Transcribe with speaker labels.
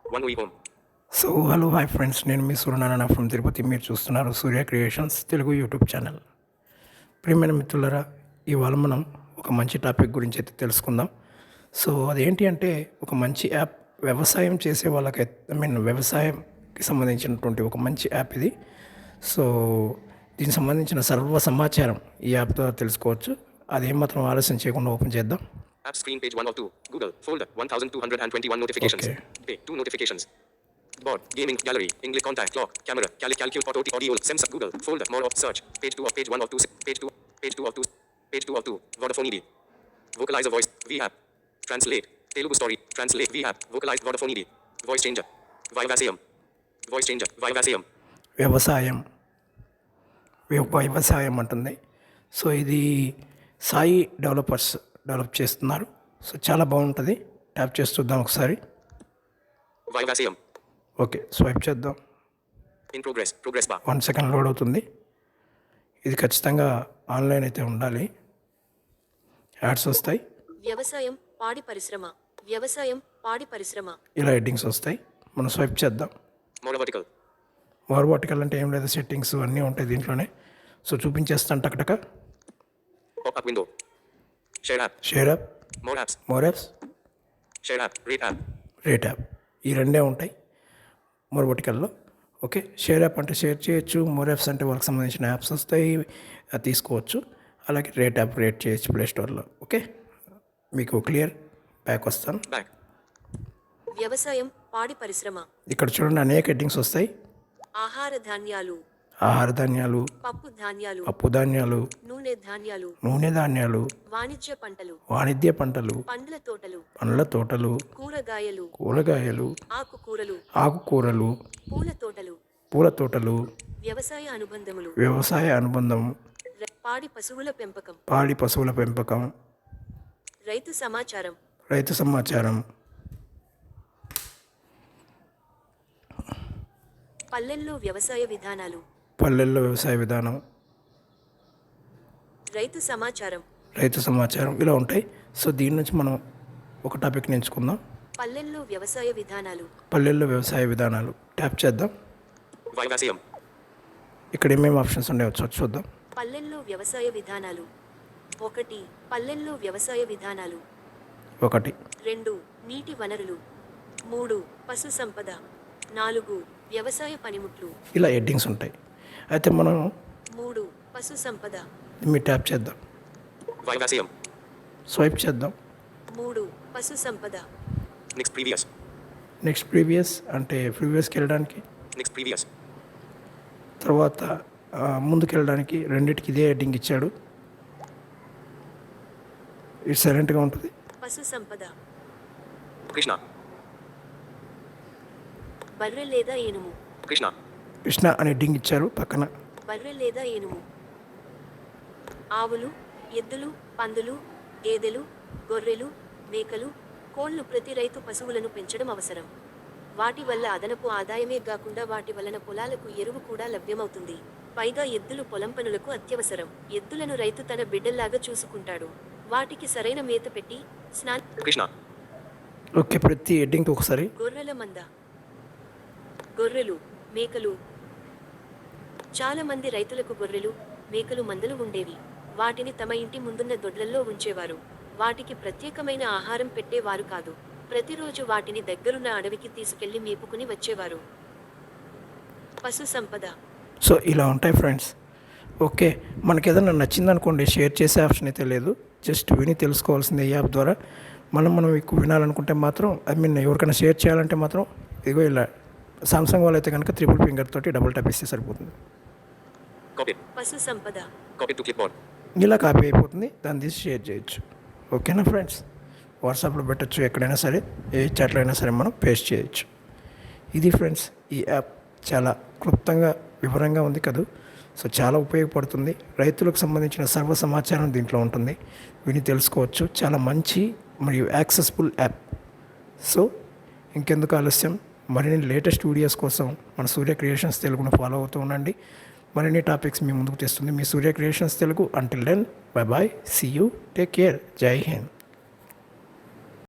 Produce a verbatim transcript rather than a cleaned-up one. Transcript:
Speaker 1: One week home.
Speaker 2: So hello hi friends, నేను మీ Suryanarayana from Tirupati. మీరు చూస్తున్నారు Surya creations Telugu YouTube channel. ప్రియమైన మిత్రులరా, ఇవాళ మనం ఒక మంచి టాపిక్ గురించి అయితే తెలుసుకుందాం. సో అదేంటి అంటే, ఒక మంచి యాప్ వ్యవసాయం చేసే వాళ్ళకైతే ఐ మీన్ వ్యవసాయంకి సంబంధించినటువంటి ఒక మంచి యాప్ ఇది. సో దీనికి సంబంధించిన సర్వ సమాచారం ఈ యాప్ ద్వారా తెలుసుకోవచ్చు. అదేమాత్రం ఆలస్యం చేయకుండా ఓపెన్ చేద్దాం.
Speaker 1: App screen page one of two. Google. Folder. one thousand two hundred twenty-one notifications.
Speaker 2: Okay.
Speaker 1: Pay. Two notifications. Board. Gaming. Gallery. English contact. Clock. Camera. Cal- calculate. Auto. Audio. Sensor. Google. Folder. More of search. Page two of page one of two. Page two. Page two of two. Page two of two. Vodafone E D. Vocalizer voice. V app. Translate. Telugu story. Translate. V app. Vocalize. Vodafone E D. Voice changer. Vivasium. Voice changer. Vivasium.
Speaker 2: వ్యవసాయం వ్య- వ్యవసాయం అంటుంది. So ఇది Sai developers develop చేస్తున్నారు. So చాలా బాగుంటుంది. Tap చేసి చూద్దాం ఒకసారి.
Speaker 1: Vivasium.
Speaker 2: ఓకే, స్వైప్ చేద్దాం.
Speaker 1: In progress. Progress bar.
Speaker 2: One second load అవుతుంది. ఇది ఖచ్చితంగా ఆన్లైన్ అయితే ఉండాలి. యాడ్స్ వస్తాయి,
Speaker 3: వ్యవసాయం పాడి పరిశ్రమ వ్యవసాయం పాడి పరిశ్రమ
Speaker 2: ఇలా హెడ్డింగ్స్ వస్తాయి. మనం స్వైప్ చేద్దాం.
Speaker 1: More vertical.
Speaker 2: మోర్ వర్టికల్ అంటే ఏం లేదు, సెట్టింగ్స్ అన్నీ ఉంటాయి దీంట్లోనే. సో చూపించేస్తాను టకటక.
Speaker 1: Pop up window. Share app.
Speaker 2: Share app,
Speaker 1: More apps.
Speaker 2: More apps,
Speaker 1: Share app. Rate app.
Speaker 2: Rate app, ఈ రెండే ఉంటాయి మోర్ వర్టికల్లో. ఓకే, షేర్ యాప్ అంటే షేర్ చేయొచ్చు, మోర్ యాప్స్ అంటే వాళ్ళకి సంబంధించిన యాప్స్ వస్తాయి, అది తీసుకోవచ్చు. అలాగే రేట్ యాప్ రేట్ చేయొచ్చు ప్లే స్టోర్లో. ఓకే, మీకు క్లియర్ బ్యాక్ వస్తాను.
Speaker 1: Back.
Speaker 3: వ్యవసాయం పాడి పరిశ్రమ
Speaker 2: ఇక్కడ చూడండి, అనేక హెడ్డింగ్స్ వస్తాయి.
Speaker 3: ఆహార ధాన్యాలు
Speaker 2: ఆహార ధాన్యాలు,
Speaker 3: పప్పు ధాన్యాలు
Speaker 2: పప్పు ధాన్యాలు,
Speaker 3: నూనె ధాన్యాలు
Speaker 2: నూనె ధాన్యాలు,
Speaker 3: వాణిజ్య పంటలు
Speaker 2: వాణిజ్య పంటలు,
Speaker 3: పండ్ల తోటలు
Speaker 2: పండ్ల తోటలు,
Speaker 3: కూరగాయలు
Speaker 2: కూరగాయలు,
Speaker 3: ఆకుకూరలు
Speaker 2: ఆకుకూరలు,
Speaker 3: పూల తోటలు
Speaker 2: పూల తోటలు,
Speaker 3: వ్యవసాయ అనుబంధములు
Speaker 2: వ్యవసాయ అనుబంధం,
Speaker 3: ర- పాడి పశువుల పెంపకం
Speaker 2: పాడి పశువుల పెంపకం,
Speaker 3: రైతు సమాచారం
Speaker 2: రైతు సమాచారం,
Speaker 3: పల్లెల్లో వ్యవసాయ విధానాలు
Speaker 2: పల్లెల్లో వ్యవసాయ విధానం,
Speaker 3: రైతు సమాచారం
Speaker 2: రైతు సమాచారం, ఇలా ఉంటాయి. సో దీని నుంచి మనం ఒక టాపిక్ని ఎంచుకుందాం.
Speaker 3: పల్లెల్లో వ్యవసాయ విధానాలు
Speaker 2: పల్లెల్లో వ్యవసాయ విధానాలు ట్యాప్ చేద్దాం.
Speaker 1: Vivasium.
Speaker 2: ఇక్కడ ఏమేమి ఆప్షన్స్ ఉన్నాయో చూ- చూద్దాం.
Speaker 3: పల్లెల్లో వ్యవసాయ విధానాలు ఒకటి పల్లెల్లో వ్యవసాయ విధానాలు
Speaker 2: ఒకటి,
Speaker 3: రెండు నీటి వనరులు మూడు పశు సంపద నాలుగు వ్యవసాయ పనిముట్లు
Speaker 2: ఇలా హెడ్డింగ్స్ ఉంటాయి. అయితే మనం
Speaker 3: మూడు పశు సంపద
Speaker 2: మీ ట్యాప్ చేద్దాం,
Speaker 1: Vivasium.
Speaker 2: స్వైప్ చేద్దాం.
Speaker 3: మూడు పశు సంపద
Speaker 1: Next previous.
Speaker 2: నెక్స్ట్ ప్రీవియస్ అంటే ప్రీవియస్కి వెళ్ళడానికి,
Speaker 1: Next previous.
Speaker 2: తర్వాత ఆ, ముందుకు వెళ్ళడానికి రెండింటికి ఇదే హెడ్డింగ్ ఇచ్చాడు. ఇది సైలెంట్గా ఉంటుంది.
Speaker 3: పశు సంపద
Speaker 1: Krishna.
Speaker 3: బర్రె లేదా ఏనుము
Speaker 1: Krishna.
Speaker 2: కృష్ణ అనే హెడ్డింగ్ ఇచ్చారు పక్కన.
Speaker 3: బర్రె లేదా ఏనుము ఆవులు ఎద్దులు పందులు గేదెలు గొర్రెలు మేకలు కోళ్లు ప్రతి రైతు పశువులను పెంచడం అవసరం. వాటి వల్ల అదనపు ఆదాయమే కాకుండా వాటి వలన పొలాలకు ఎరువు కూడా లభ్యమవుతుంది. పైగా ఎద్దులు పొలం పనులకు అత్యవసరం. ఎద్దులను రైతు తన బిడ్డల్లాగా చూసుకుంటాడు. వాటికి సరైన మేత పెట్టి స్నాన
Speaker 1: Krishna.
Speaker 2: ఓకే, ప్రతి హెడ్డింగ్కి ఒకసారి.
Speaker 3: గొర్రెల మంద గొర్రెలు మేకలు చాలా మంది రైతులకు గొర్రెలు మేకలు మందలు ఉండేవి. వాటిని తమ ఇంటి ముందున్న దొడ్లల్లో ఉంచేవారు. వాటికి ప్రత్యేకమైన ఆహారం పెట్టేవారు కాదు. ప్రతిరోజు వాటిని దగ్గరున్న అడవికి తీసుకెళ్లి మేపుకుని వచ్చేవారు. పశు సంపద
Speaker 2: సో ఇలా ఉంటాయి ఫ్రెండ్స్. ఓకే, మనకి ఏదైనా నచ్చింది అనుకోండి, షేర్ చేసే ఆప్షన్ అయితే లేదు. జస్ట్ విని తెలుసుకోవాల్సిందే ఈ యాప్ ద్వారా. మనం మనం ఎక్కువ వినాలనుకుంటే మాత్రం, ఐ మీన్ ఎవరికైనా షేర్ చేయాలంటే మాత్రం ఇదిగో ఇలా సామ్సంగ్ వాళ్ళు అయితే కనుక త్రిపుల్ ఫింగర్ తోటి డబుల్ ట్యాప్ ఇస్తే సరిపోతుంది.
Speaker 1: Copy.
Speaker 3: పశు సంపద
Speaker 1: Copy to clipboard.
Speaker 2: ఇలా కాపీ అయిపోతుంది, దాన్ని తీసి షేర్ చేయొచ్చు. ఓకేనా ఫ్రెండ్స్, వాట్సాప్లో పెట్టచ్చు, ఎక్కడైనా సరే ఏ చాట్లో అయినా సరే మనం పేస్ట్ చేయొచ్చు. ఇది ఫ్రెండ్స్, ఈ యాప్ చాలా క్లుప్తంగా వివరంగా ఉంది కదూ. సో చాలా ఉపయోగపడుతుంది. రైతులకు సంబంధించిన సర్వ సమాచారం దీంట్లో ఉంటుంది, విని తెలుసుకోవచ్చు. చాలా మంచి మరియు యాక్సెసిబుల్ యాప్. సో ఇంకెందుకు ఆలస్యం, మరిన్ని లేటెస్ట్ వీడియోస్ కోసం మన సూర్య క్రియేషన్స్ తెలుగును ఫాలో అవుతూ ఉండండి. మరిన్ని టాపిక్స్ మీ ముందుకు తెస్తుంది మీ Surya creations Telugu. Until then, bye bye, see you, take care, Jai Hind.